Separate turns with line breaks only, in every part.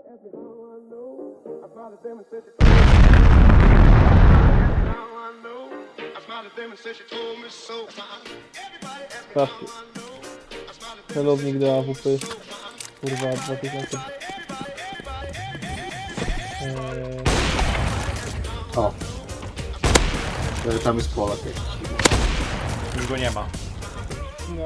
Sprawdźcie. Celownik do AWP. Kurwa, 2000.
O. Tam jest Polak jakiś.
Już go nie ma.
No.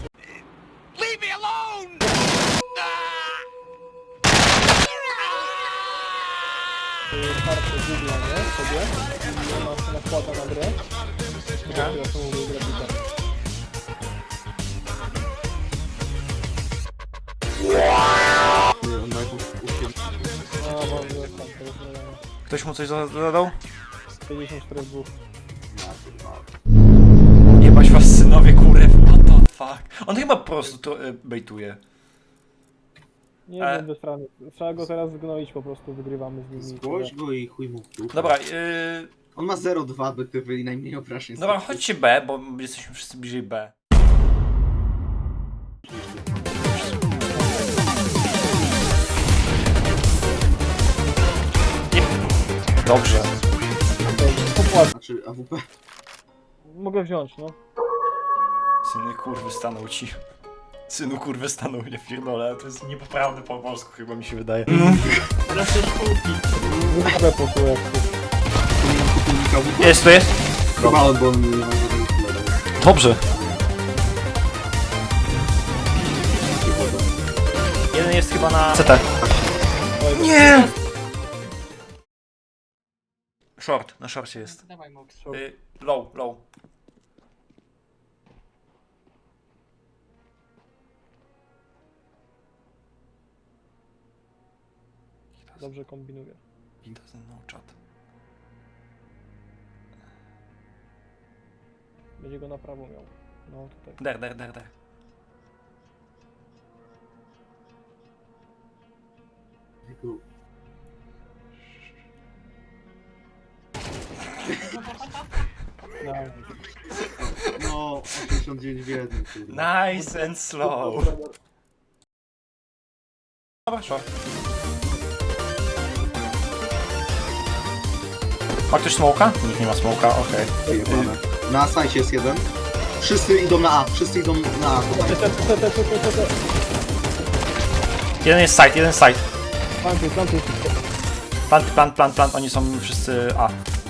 Kartę Google'a, nie? Sobie. I masz nakłada na grę.
Okay.
Ja to mówię grafika.
Nie, on ma jakąś
No, mam już tam tego problemu.
Ktoś mu coś zadał?
54 w 2.
Jebać was synowie, kurew, what the fuck. On chyba po prostu to bejtuje.
Nie wiem, bezprawnie. Trzeba go teraz zgnoić, po prostu wygrywamy z nimi.
Zgłoś go i chuj mu w dupę.
Dobra,
On ma 0,2 BTW i najmniej obrażeń.
dobra, chodźcie B, bo jesteśmy wszyscy bliżej B. Dobrze.
Popłat.
Znaczy AWP.
Mogę wziąć, no.
Syny kurwy stanął ci. Synu kurwy stanął, nie pierdolę, to jest niepoprawne po polsku chyba mi się wydaje.
Wyprawę posłuchaj jak
Jest, to jest?
Chyba on, bo on nie ma żadnych kolorów.
Dobrze. Jeden jest chyba na CT. Nie! Short, na shorcie jest.
Dawaj, Mox.
Low, low.
dobrze kombinuję.
He doesn't know chat.
Będzie go na prawo miał. No tutaj.
Der.
No, 89 w 1, kurwa.
Nice and slow. Dobra, short. Ma ktoś smoka? Nikt nie ma smoka, okej.
Wyjebane. Na sajcie jest jeden. Wszyscy idą na A, tutaj.
Jeden jest side, jeden side.
Plantuj.
Plant, oni są wszyscy A.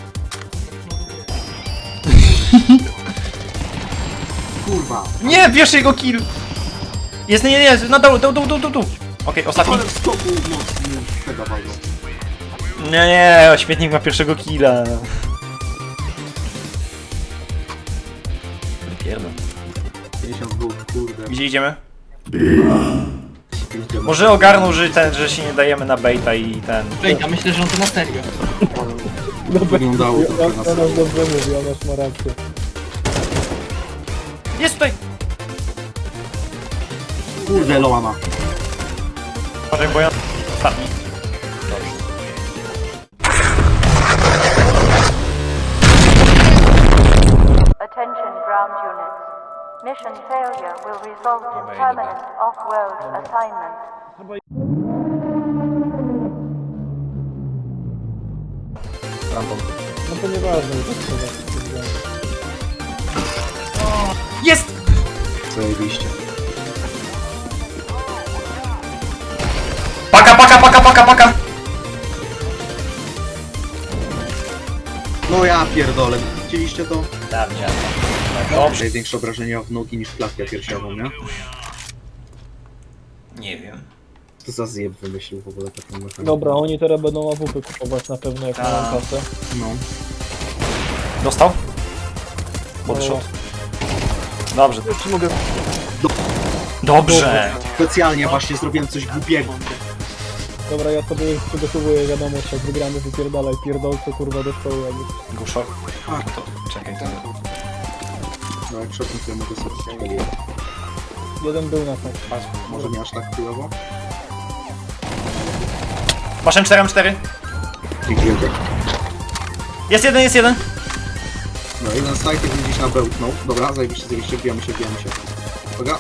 Kurwa.
Nie, pierwszy jego kill! Jest, nie, na dół. Okej, ostatni.
Ale w skoku mocny chyba walną.
Nie, śmietnik ma pierwszego killa. Pierdol.
52, kurde.
Gdzie idziemy?
Idziemy.
Może ogarnął, że się nie dajemy na baita i ten...
Ej, ja myślę, że on to na serio.
Wyglądało trochę na
Ona
serio.
dobrze mówi, ona ma rację.
Jest tutaj!
Kurde, Loa ma.
Uważaj, bo ja... Ostatni.
Attention ground units. Mission failure will result in permanent off-world assignment.
Random.
No to nieważne, że to
Jest!
Zajebiście.
Paka!
No ja pierdolę. Widzieliście to?
Dawnie. Dobrze.
Największe obrażenia w nogi niż klatkę piersiową, nie?
Nie wiem.
To za zjeb wymyślił w ogóle taką mechanikę.
Dobra, oni teraz będą AWP kupować na pewno jak mają kasę.
No.
Dostał? Body shot. Dobrze.
Czy mogę?
Dobrze!
Specjalnie właśnie zrobiłem coś głupiego.
Dobra, ja sobie przygotowuję wiadomość, jak wygramy, wypierdalaj pierdolce kurwa do szkoły jakby.
Go short.
A,
To, czekaj, to...
no jak szedłem, to ja mogę sobie strzelić.
Jeden był na tak.
Może nie aż tak chujowo?
Masz M4.
Dziękuję.
Jest jeden.
No, jeden side, jak widzisz na bełtnął. Dobra, zajebiście, wbijamy się. Uwaga.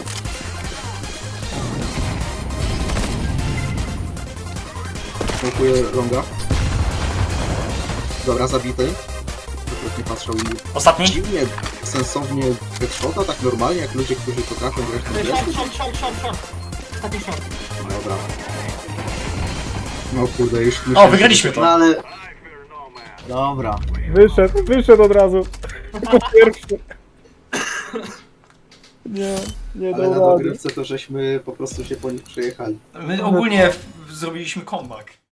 Smokuję longa. Dobra, zabity. Akurat nie patrzał i
Ostatni?
dziwnie, sensownie headshota, tak normalnie, jak ludzie, którzy potrafią grać na grę.
Ostatni short.
Dobra. No kurde, już
O,
myślałem,
wygraliśmy
że-
to.
No ale... Dobra.
Wyszedł od razu. Jako pierwszy. Nie
Ale na
dał rady.
dogrywce to żeśmy po prostu się po nich przejechali.
My ogólnie zrobiliśmy comeback.